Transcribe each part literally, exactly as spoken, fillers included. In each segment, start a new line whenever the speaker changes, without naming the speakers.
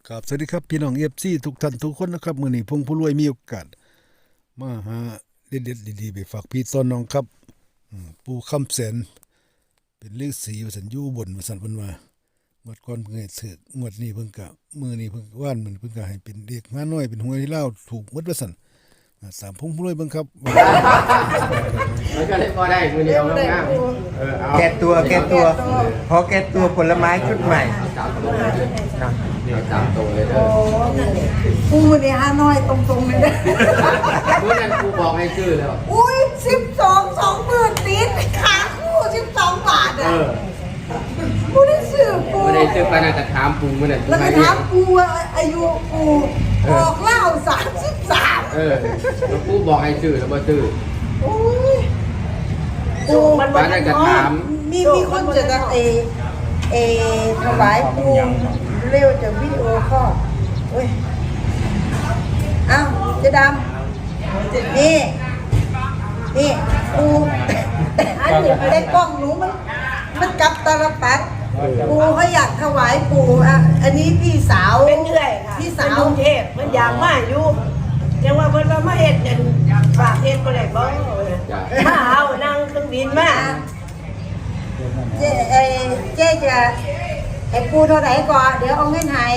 ครับสวัสดีครับพี่น้องเอฟซีทุกท่านทุกคนนะครับมื้อนี้พงผู้รวยมีโอกาสมาหาเด็ดๆดีๆไปฝากพี่ต้นน้องครับอืมปู่คำแสนเป็นฤาษีว่าซั่นอยู่บนว่าซั่นเพิ่นว่างวดก่อนเพิ่นให้ถูกงวดนี้เพิ่นก็มื้อนี้เพิ่นว่านมันเพิ่นก็ให้เป็นเด็กมาน้อยเป็นหวยลาวถูกหมดว่าซั่นอ่าสามพงผู้รวยเบิ่งครับ
มันก็เลยพอได้มือเดียวง่ายๆเออเอา
แก้ตัวแก้ตัวพอแก้ตัวผลไม้ชุดใหม่
สามตัวเลยเอาสามตัวเลยเด้อ
กูเนี่ยฮานอยตรงๆเลยนะ
เมื่อนั้นครูบอกให้ชื่อแล้ว
อุ้ยสิบสองสองหมื่นติดขาคู่สิบสองบาท
เอ
อ่ะ
อ
กูได้ซื้อปู
เมื่อนั้นชื่อปานาจะถามปูเมื่อนั้น
แล้วก็ถามปูว่าอายุปูออกเล่าสามสิบสาม
เออแล้วครูบอกให้ชื่อแล้วบ่ชื่อ
อุ้ยปู
ปานาจะถาม
มีมีคนจะจะเอเอถวายปูเร็วจากวิดีโอคอลเว้ยอ้าวเจ๊ดำนี่ นี่ปูอันนี้ไม่ได้กล้องหนูมันมันกลับตาลปัดปูเขาอยากถวายปูอ่ะอันนี้พี่สาว
เป็นเรื่อยค่ะ
พี่
เป็น
สาว
กรุงเทพมันอยากมาอยู่ยังว่าเพิ่นว่ามาเฮ็ดเนี่ยฝากเฮ็ดบ่ได้บ่
จ้ะ
ถ้าเอานั่งเครื่องบินมา
เจ๊เอเจ๊จะไอ้ปูเท่าไหร่ก่อนเดี๋ยวเอาเงินให้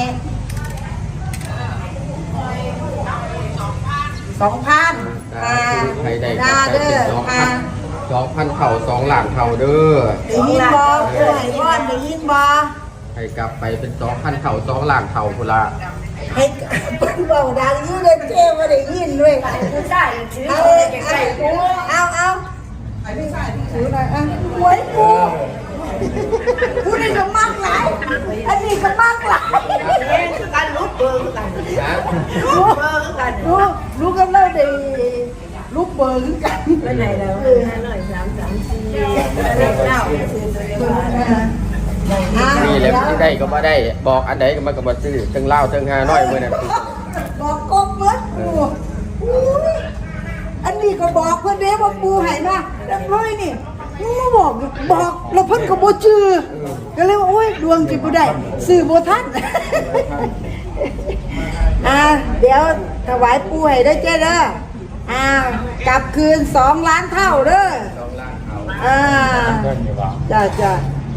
สองพันอ่า
ใครได้
นา
ก็
เด้
ใช้
อ
เป็นสองพั
อ่าน
สองพันเข่าสองหลังเข่าเด้อ
ได้ยินบอปูไหนก่อนได้ยินบอ
ให้กลับไปเป็นสองพันเข่าสองหลังเข่าพุ่นละ
ให้เป็นเบาดังอยู่เลยเจ๊ไม่ได้ยินด้วย
ผู้ชายถือ
เอา
ใกล้ๆปู
เอาเอาถือหน่อยอ่ะหวยปูปูนี่ก็มากหลายอันนี้ก็มากหลาย
เฮ็ดคือกันลุกเบอร์คือกัน
นะ
ลุกเบอร์คือกัน
รู้รู้กันแล้วได้ลูกเบอร์คือกัน
ไปไหนแล้วห้าหน่อยสามสามสี่เลขเก้าซื้อตัวเดียวกัน
นี่แหละที่ได้ก็บ่ได้บอกอันใดก็มันก็บ่ซื้อถึงเล่าถึงหาน้อยมื้อนั้น
บอกกบเบิดปูอุ้ยอันนี้ก็บอกเพื่อนเด้ว่าปูใหายมาแล้วร้อยนี่มึงมาบอกบอกแล้วเพิ่นก็บ่ชื่อก็เลยว่าโอ้ยดวงจิบ่ได้สื่อบ่ทันอ่าเดี๋ยวถวายปูให้ได้เจ้เด้ออ่ากลับคืนสองล้านเท่าเด้ออ่าจ้าจ้า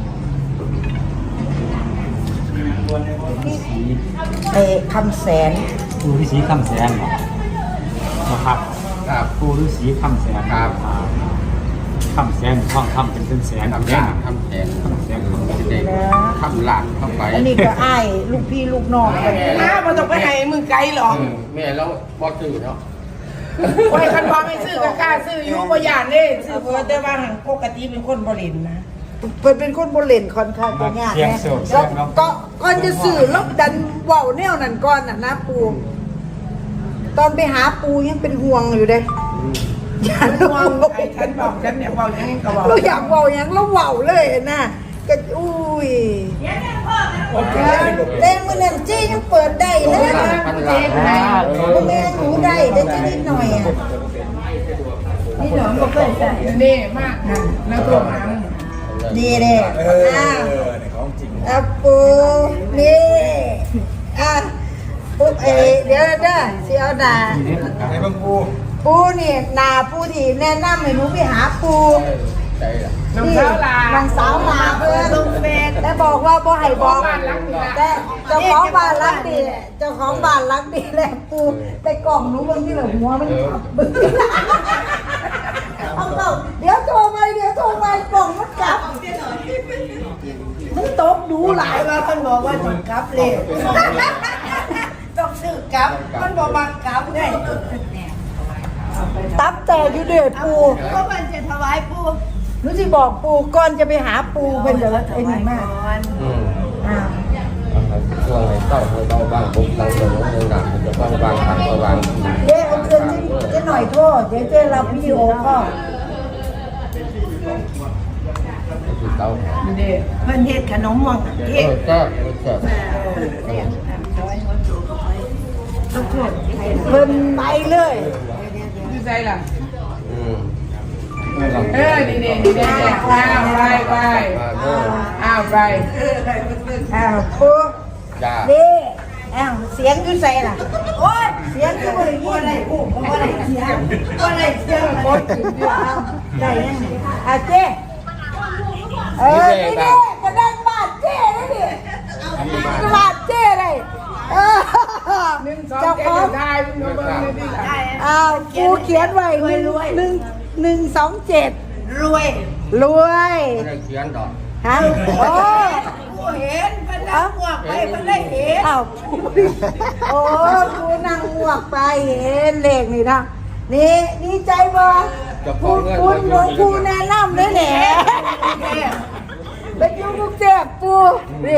เอ้คำแสน
ปูฤาษีคำแสนนะครับ
ครับ
ปูฤาษีคำแสน
ครับ
อ่าคำแสนท่องคำเป็นเป็นแสน
ทำ
แส
แท
น
นทำแทน
คำแสนคำแสน
เด็กทำหลานเข้าไป
อันนี้ก็อ้ายลูกพี่ลูกน้องกัน
มาบ่ต้องไปให้มึงไกลหรอก
เออแม่แล้วบอสซื้อเนาะ
โอ้ยคันพอไม่ซื้อก็กล้าซื้ออยู่บ่ย่านเด้ซื้อเพิ่นแต่ว่าหังปกติเป็นคนบ่เล่นนะ
เพิ่นเป็นคนโบเล่นค่อนข้างจะยาก
เสียง
นะ
โสด
แล้ว
เสียงน้อง
ก็ก่อนจะสื่อแล้วดันเว้าแนวนั้นก่อนน่ะนะปูตอนไปหาปูยังเป็นห่วงอยู่เด้อย่า
ห่วงไอ้ฉันบอกฉันเนี่ยบอกอย่างนี้ก็บอก
เราอยากเว้าหยังเราเว้าเลยนะก็อุ้ยเต้มื้อนั้นเจ๊ยังเปิดได้เลย
หลา
นะ
นพันหลาน
บ่แม่นหนูได้ได้จะนิดหน่อยอ่ะ
นี่หนอบ่เคยใส่นี่มากนะแล้วตัวมัน
ดีเด้อ้าวอ่ะปูนี่อ่ะปุ๊บเอเดี๋ยวเด้อสิเอาหน้า
ในบางปู
ปูนี่หนาปูที่แนะนำให้หนูไปหาปู
ใจละ
น้องสาวลา
น้องสาวลาเพื่อน
ลงเฟซ
แต่บอกว่าบ่ให้บอก
บ้านหลังนี้นะ
แต่เจ้าของบ้านรักดีแหละเจ้าของบ้านรักดีแหละปูแต่กล่องหนูบางทีละหัวมันขับเอาเปล่าเดี๋ยวโทรไปเดี๋ยวโทรไปกล่องมันกลับมันตกดูหลาย
ว่าเพิ่นบอกว่าต้องกลับเลยต้องซื้อกลับมันบ่มักกลับไง
ตับแต่อยู่เด้อปู
เพราะมันจะถวายปู่
หนูสิบอกปูก่อนจะไปหาปูเป็นเดี๋ยวไอ้นี่มาก
อืม
อ่า
ช่วงไหนเต้าให้เต้าบ้างปุ๊บหลังจากนั้นหลังจะบ้างบางทางก็บาง
เจ๊เอาเงินเจ๊หน่อยโทษเจ๊เจ๊รับวิดีโอก็
คือเต้า
เด้เพิ่นเฮ็ดขนมม่วง
เอ
เฮ็ด
อก็ก็
ทุกคน
เพิ่นไปเลย
อยู่ใจล่ะ
อืม
เออนี่นี่นี่นี่อ้าวไปไป
มาเด้อ
อ้าวไป
อ้าวปู
จ้า
นี่อ้าวสียงอยู่ใส่ล่ะโอ้ยเสียงก็บ่ได้ยินได้กูบ่ได้เสียงบ่ได้เสียงบ่ได้ยังไงอ่ะเจ๊เออนี่เด้กระดังบาดเจ๊เลยดิบาดเจ๊เลยเออ
หนึ่งสอง
เจ้า
เจ็
ข
ด
อง
ทายมึงมาเบิ่งเลยดิล่ะ
อ้าวกูเขียนไว้หนึ่งหนึ่งหนึ่งสองเจ็ด
รวย
รวย
ไม่ได้เขียนดอก
ฮะโอ้
กูเห็นมันนั่งหวกไปมันได้เห็น
อ้าวโอ้กูนั่งหมวกไปเห็นเลขนี่นะนี่ดีใจบ่กูคุณหลวงปู่แนะนำเลยแหละไปอยู่กรุงเทพปูนี่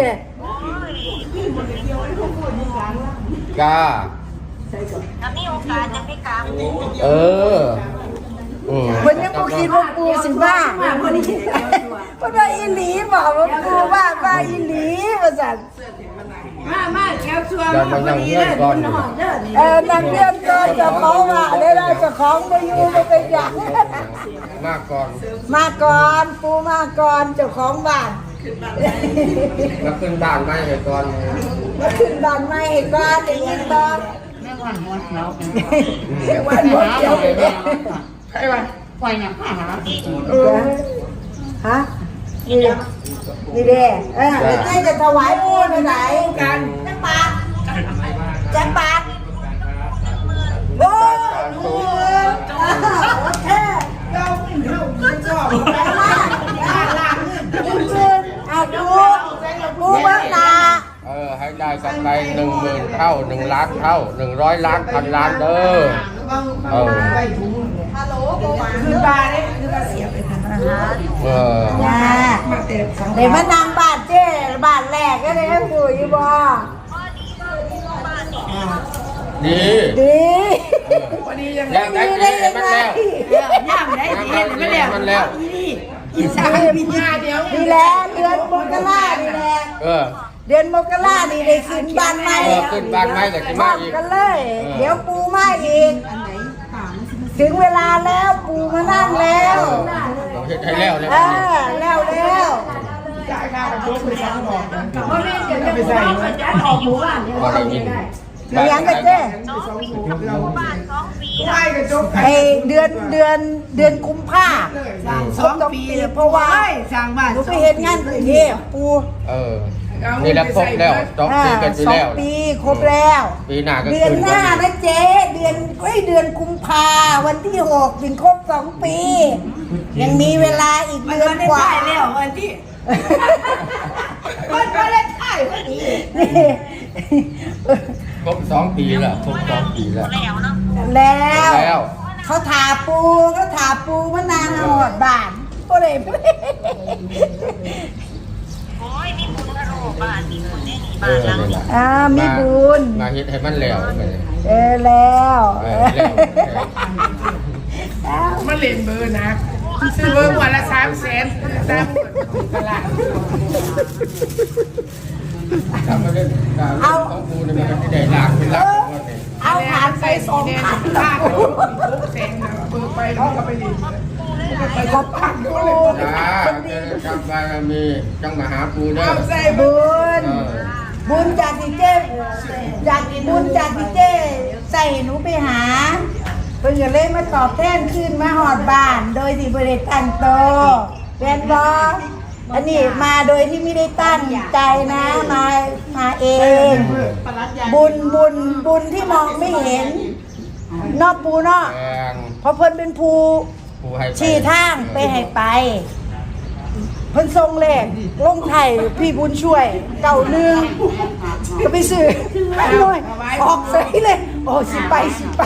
กา
ถ้ามีโอกาสจะไปกราบ
เอออืม
วันนี้กูคิดว่าปูสิว่าเพราะว่าอีหลีบอกว่าปูว่าว่าอีหลีว่าสั่น
มามาแถวชัว
เดี๋ยวมันยังเงื่อนก่อนอยู่
เออนักเรียนก็จะของว่าได้ได้จะของมาอยู่มาเป็นอย่าง
มากก่อน
มาก่อนปูมาก่อนเจ้าของบ้าน
แล้วขึ้นบ้านไม่เลยก่อน
มาขึ้นบ้านใหม่อีกบ้านอีกอีกบ้านแม่วันหัวเขียวแม่วันหัวเขียว
ใครวะ
เออฮะนี่นี่เด้เออใกล้จะถวายปูไปไหน
กัน
จังปาดจังปาดโอ้โหโอเค
เราไม่เข้าไม่ชอบ
ไปมาขึ้นขึ้นเอาปูปูเบิ้งหน้า
เออให้ได้กำไรหนึ่งหมื่นเท่าหนึ่งล้านเท่าหนึ่งร้อยล้านพันล้านเด้อเออ
คือบาร์ได้คือบาเสียไปทัน
เออ
จ้า
มาเตะสัง
เดี๋ยวมานำบาทเจ้บาทแรกก็ได้ปู่อยู่บ่
ดี
ดี
วันนี้ยัง
แล้วได้ดีให้มันแล้ว
ย่ำได้ดีไม่แล้ว
มันแล้ว
อีสานมีงานเดียว
ดีแล้วเดือนมกราดีแหละ
เออ
เดือนมกราดีได้ขึ้นบ้านใหม่
เออขึ้นบ้านใหม่ก็สิมาอีก
กันเลย เดี๋ยวปูมาอีก ถึงเวลาแล้วปูมานั่งแล้ว
เราเฮ็ดให้แล้วแล้ว
เออแล้วแล้ว
จ่ายค่าประตูไปสองดอกเพราะนี่จะไปใส่
บ่ได้ยิน
เลี้ยงกันเจ้
บ้านสองปี
ไล่กระจก
ไอเดือนเดือนเดือนกุมภา
สองปีเพราะว่าสร้างบ้าน
หนูไปเห็นงานกรุงเทพปู
เออนี่แหละครบแล้วสอง
อ่า
ปีกันไป
สอง
แล้ว
ปีครบแล้ว
ปีหน้าก็
เดือน
ขึ้น
หน้านะเจ๊เดือนเอ้ยเดือนกุมภาวันที่หกถึงครบสองปี ยังมีเวลาอีกเดือนกว่า
แล้ววันที่มันก็ได้ถ่ายพอดี
นี่
ครบสองปีแล้วครบสองปีแล้ว
แล้วเนาะ
แล้ว
แล้ว
เขาถาปูเขาถาปูมานานหอดบ้านก็เลย
โอ้ยมีบุญกระโดดบ้านมีบุญได้หนี
เอ
บ้าน
อ
หลัง
นี่
นี้
แหละ
อ่ามีบุญ
มาเฮ็ดให้มันแล้วไปเลย
เออแล้ว
เออแล้ว
มันเล่นเบอร์นะซื้อเบอร์วันละสามแสนสามตลาด
ทำมาเล่นการเล่นของกูเนี่ยมันก็ได้หลากเป็นหลักหมดเลย
เอาผ่านไปสองพัน
ค่าทุกแสนเบอร์ไปเขาก็ไปดีไปขอบพันก็เลย
จ้าเจอจำบารมีจังมาหาปูเด้อ
เอาใส่
บุญ
เออ
บุญจากที่เจ้จากบุญจากที่เจ้ใส่หนูไปหาเพิ่งจะเล่นมาตอบแทนขึ้นมาหอดบ้าน โดยที่บริตั้งโตวเป็นบออันนี้มาโดยที่ไม่ได้ตั้งใจนะมามาเอง บุญบุญบุญที่มองไม่เห็นนอกปูเนอก
แพง
เพราะเพิ่นเป็นภู
ปูให้ไป
ชี้ทางไปให้ไป เพิ่นทรงเลขลงไทยพี่บุญช่วยเก่าหนึ่งก็ไปซื้อหน่อยออกใส่เลย โอ้สิไปสิไป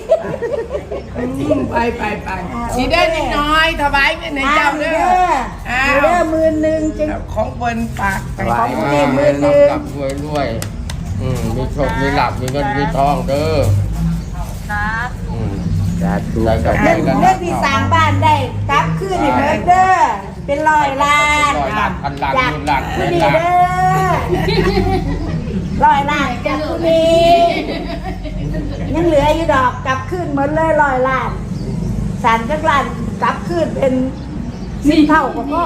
ไปไปไปสีได้นิดน้อยถวายเงินใน
อ้า
เจ้าว เด้
เด้
อ
อ
อ้า
เด้อ
ว
มือหนึ่งจึง
ของเปิ้นปากไป
ไหวมาให้รับรับรวยรวยอืมมีโชคมีหลับมีเงินมีทองเด้อ
ครับ
อืมสาธุได้กับ
เงิ
ได้
น
กัน
เงินที่สร้างบ้านได้กลับคืนให้เบิดเด้อเป็นร้อยล้าน
ร้อยล้านพันล้าน
จาก
หมื่นล้านแส
ผู้
น
นี้
ล้าน
เด้อร้อยล้านจากผู้นี้ยังเหลืออยู่ดอกกลับคืนหมดเลยร้อยล้านสารจักรล้านกลับคืนเป็นสิบเท่าก็พอ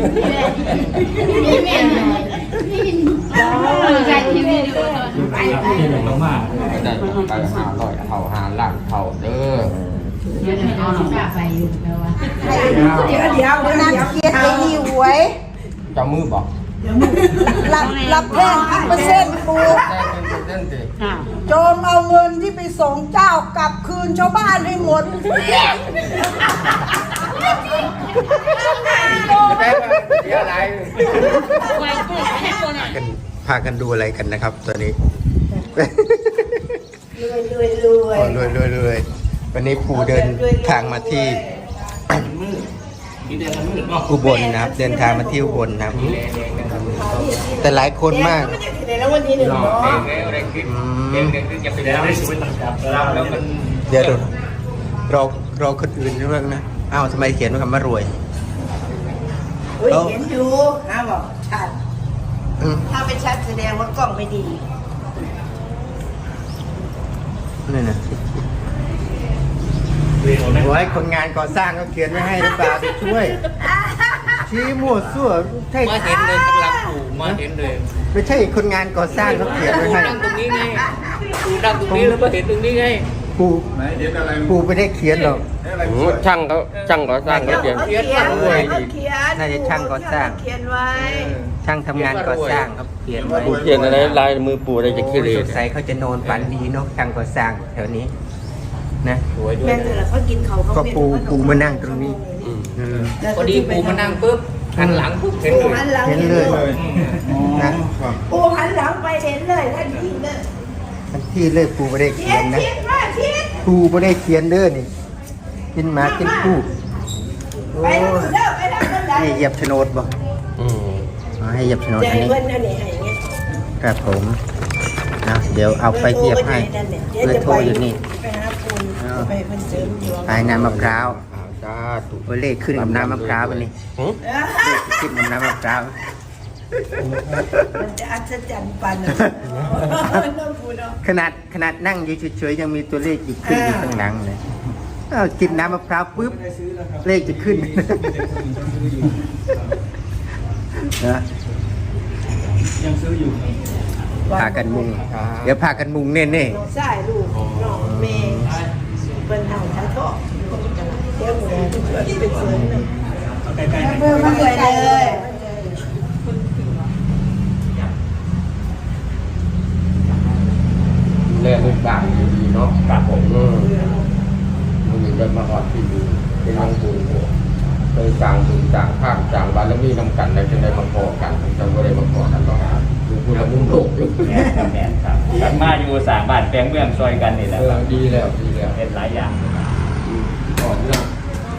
ใจที่ไม่ดูไปไป
ที่หนึ่งลงมา
ก็ได้ไปห้าร้อยเท่าห้าล้านเท่าเด้อ
เดี๋ยวเดี๋ยวเอาหน้าไปอยู่แล้วว่า
เดี๋ยวเดี๋ยวเดี๋ยวนะเครียดไอ้นี่หวย
เจ้ามือบอก
รับรับแทนกี่เปอร์เซ็นต์ปู
แจ้งเป็นเส้นสิ
โจมเอาเงินที่ไปส่งเจ้ากลับคืนชาวบ้านให้หมด
จะได้มาเสียอะไร
กันพากันดูอะไรกันนะครับตอนนี้
รวยรวยรวย
โอ้รวยรวยรวยวันนี้ปู่เดินทางมาที่ อุบลนะครับ เดินทางมาที่อุบลนะครับ แต่หลายคนมากอืมเดี๋ยวดูเราเราคนอื่นเรื่องนะอ้าวทำไมเขียนว่าคำว่ารวย
อุ้ยเห็นอยู่นะบอกชัด
อืม
ถ้าไม่ชัดแสดงว่ากล้องไม่ดี
นี่นะโอ้ยคนงานก่อสร้างก็เขียนไว้ให้หรือเปล่าไปช่วย ชี้มั่วซั่วใช่
มาเห็นเลยกำลังปลูกมาเห็นเลย
ไม่ใช่คนงานก่อสร้างเขาเขียนไว้ให้
นั่งตรงนี้ไงปูนั่งตรงนี้แล้วมาเห็นตรงนี้ไง
ปู่ปู่ไม่ได้เขียนหรอก
ช่างเขาช่างก่อสร้างเขาเขียน
เขียนว่ารวย
เขาเขียน
น่าจะช่างก่อสร้าง
เขียนไว้
ช่างทำงานก่อสร้างเขาเขียนไว้
ปูเขียนอะไรลายมือปูอะไรจะขี้เหร่
สงสัยเขาจะนอนฝันดีเนาะช่างก่อสร้างแถวนี้นะ
สวยด้วย
แม่แต่ละเขากินเขาเขา
ก็ปูปูมานั่งตรงนี้อืม
พอดีปูมานั่งปุ๊บหันหลังปุ๊บเห็น
ปู
เลย
หันหลัง
เห็นเลยนะ
ปูหันหลังไปเห็นเลยทันทีเลย
ทันที่เลยปูไม่ได้
เขี
เขี
ย
ย
น
นนะ
เขียนว่าเขียน
ปูไม่ได้เขียนเด้อนี่กินหมากินปูโอ้
ไปทางเด้อไปทางนั้นได้
ให้เหยียบโฉนดบ่
อืม
อ๋อให้เหยียบโฉนด
ใจ
อันนี้
เพิ่นนั่นนี่ให้เงี้ย
ครับผมนะเดี๋ยวเอาไปเหยียบให้เบอร์โทรอยู่นี่
ไปหาปูไปเพิ่นเสริมดวง
ปลายน้ำมะพร้าว
อ้าวจ้าตุ
โอ้ยเลขขึ้นกับน้ำมะพร้าวอันนี้
หึ
เลขขึ้นกับน้ำมะพร้าว
มันจะอัศจรรย์ปันนะน้องปูเนาะ
ขนาดขนาดนั่งอยู่เฉยๆยังมีตัวเลขอีกขึ้นอยู่ข้างหลังเลยเอากินน้ำมะพร้าวปุ๊บเลขจะขึ้นนะพากันมุง เดี๋ยวพากันมุงเน่ๆ
น้องชายลูกน้องเมย์เปิ้นเอาทั้งทอกเดี๋ยวหมูเป็นเสริมหนึ่งเพิ่มมาเลย
เล่นด้วยบ้านดีๆเนาะครับผมอืมมันมีเดินมาหอดที่ดีเป็นน้องปูเคยจางปูจางข้ามจางบารมีนำกันในจะได้มาพอกันจังก็ได้มาพอกันเนาะดูพูดแล้วมุ่งโลกอยู่
แม่ครับแม่ครับกลับมาอยู่สามบ้านแปลงเมืองซอยกันนี่แหละ
เอ
ค
อ
รับ
ดีแล้วดีแล้ว
เป็นหลายอย่าง
ก่อนเรื่อง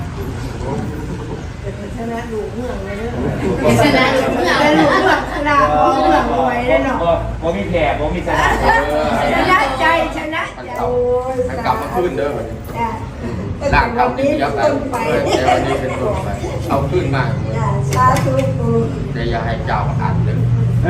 ชนะลูกเมืองเลยเนาะชนะลูกเมืองแล้วลูกเมืองลาของเมืองรวยเลยเนาะ
บ่บ่มีแผลบ่มีสนาม
ชนะใจชนะ
มัน
ใจ
เก่ามันกลับมาขึ้นเด้อวันนี้
จ้ะ
ร่างเก่าที่เดียวกัน
ต้นไป
เออแต่วันนี้เป็นต้นไปเอาขึ้นมาเลย
จ้ะสาธุปู
แต่อย่าให้เจ้าอ่านเลย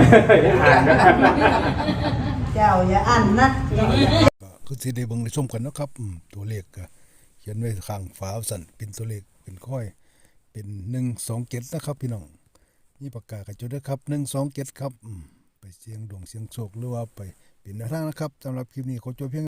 เจ้าอย่าอันนะ
ก็คือสิได้เบิ่งได้ชมกันเนาะครับอืมตัวเลขก็เขียนไว้ข้างฝาสั่นเป็นตัวเลขเป็นค่อย เป็นหนึ่งสองเจ็ดนะครับพี่น้องนี่ปากกากระจุดด้วยครับหนึ่งสองเจ็ดครับอืมไปเสียงดวงเสียงโชคหรือว่าไปเป็นแนวทางนะครับสำหรับคลิปนี้ขอจบเพียง